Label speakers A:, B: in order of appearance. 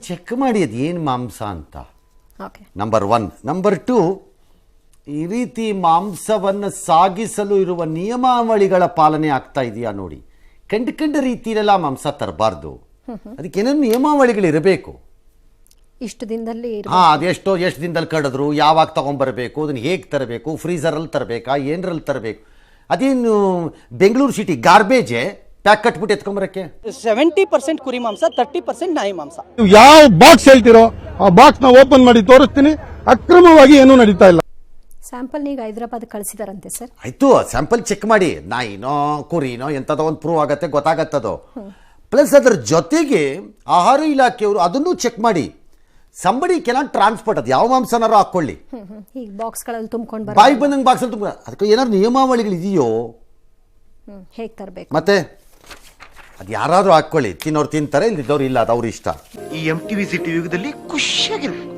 A: Check ಮಾಡಿ ಅದು ಏನು ಮಾಂಸ ಅಂತ.
B: Okay,
A: number 1. ನಂಬರ್ 2, ಈ ರೀತಿ ಮಾಂಸವನ್ನು ಸಾಗಿಸಲು ಇರುವ ನಿಯಮಾವಳಿಗಳ ಪಾಲನೆ ಆಗ್ತಾ ಇದೆಯಾ ನೋಡಿ. ಕಂಡ ರೀತಿಯಲ್ಲೆಲ್ಲ ಮಾಂಸ ತರಬಾರ್ದು. ಅದಕ್ಕೇನೇನು ನಿಯಮಾವಳಿಗಳಿರಬೇಕು.
B: ಇಷ್ಟು ದಿನದಲ್ಲಿ
A: ಎಷ್ಟು ದಿನದಲ್ಲಿ ಕಡಿದ್ರು, ಯಾವಾಗ ತಗೊಂಡ್ಬರ್ಬೇಕು, ಅದನ್ನು ಹೇಗೆ ತರಬೇಕು, ಫ್ರೀಸರಲ್ಲಿ ತರಬೇಕಾ, ಏನರಲ್ಲಿ ತರಬೇಕು. ಅದೇನು ಬೆಂಗಳೂರು ಸಿಟಿ ಗಾರ್ಬೇಜೆ ಪ್ಯಾಕ್ ಕಟ್ಬಿಟ್ಟು ಎತ್ಕೊಂಬರಕ್ಕೆ.
C: 70% ಕುರಿ ಮಾಂಸ, 30% ನಾಯಿ ಮಾಂಸ.
D: ಯಾವ ಬಾಕ್ಸ್ ಹೇಳ್ತಿರೋ ಆ ಬಾಕ್ಸ್ ನ ಓಪನ್ ಮಾಡಿ ತೋರಿಸ್ತೀನಿ. ಅಕ್ರಮವಾಗಿ ಏನೂ ನಡೀತಾ ಇಲ್ಲ.
B: ಸ್ಯಾಂಪಲ್ ಈಗ ಹೈದರಾಬಾದ್ ಕಳಿಸಿದಾರಂತೆ ಸರ್.
A: ಆಯ್ತು, ಸ್ಯಾಂಪಲ್ ಚೆಕ್ ಮಾಡಿ. ನಾಯಿನೋ ಕುರಿನೋ ಎಂಥದೋ ಒಂದು ಪ್ರೂವ್ ಆಗತ್ತೆ, ಗೊತ್ತಾಗತ್ತದು. ಪ್ಲಸ್ ಅದರ ಜೊತೆಗೆ ಆಹಾರ ಇಲಾಖೆಯವರು ಅದನ್ನು ಚೆಕ್ ಮಾಡಿ. ಸಂಬಡಿ ಕೆನಾಟ್ ಟ್ರಾನ್ಸ್ಪೋರ್ಟ್, ಅದು ಯಾವ ಮಾಂಸನಾರು ಹಾಕೊಳ್ಳಿ,
B: ಈಗ ಬಾಕ್ಸ್ಗಳಲ್ಲಿ ತುಂಬಿಕೊಂಡು
A: ಬಾಯಿ ಬಂದಂಗೆ ಬಾಕ್ಸಲ್ಲಿ ತುಂಬ. ಅದಕ್ಕೆ ಏನಾದ್ರು ನಿಯಮಾವಳಿಗಳು ಇದೆಯೋ
B: ಹೇಗೆ ತರಬೇಕು.
A: ಮತ್ತೆ ಅದು ಯಾರಾದರೂ ಹಾಕ್ಕೊಳ್ಳಿ, ತಿನ್ನೋರು ತಿಂತಾರೆ, ಇಲ್ಲಿದ್ದವ್ರು ಇಲ್ಲ, ಅದು ಅವ್ರ ಇಷ್ಟ.
E: ಈ MTV ಸಿಟಿ ಯುಗದಲ್ಲಿ ಖುಷಿಯಾಗಿರು.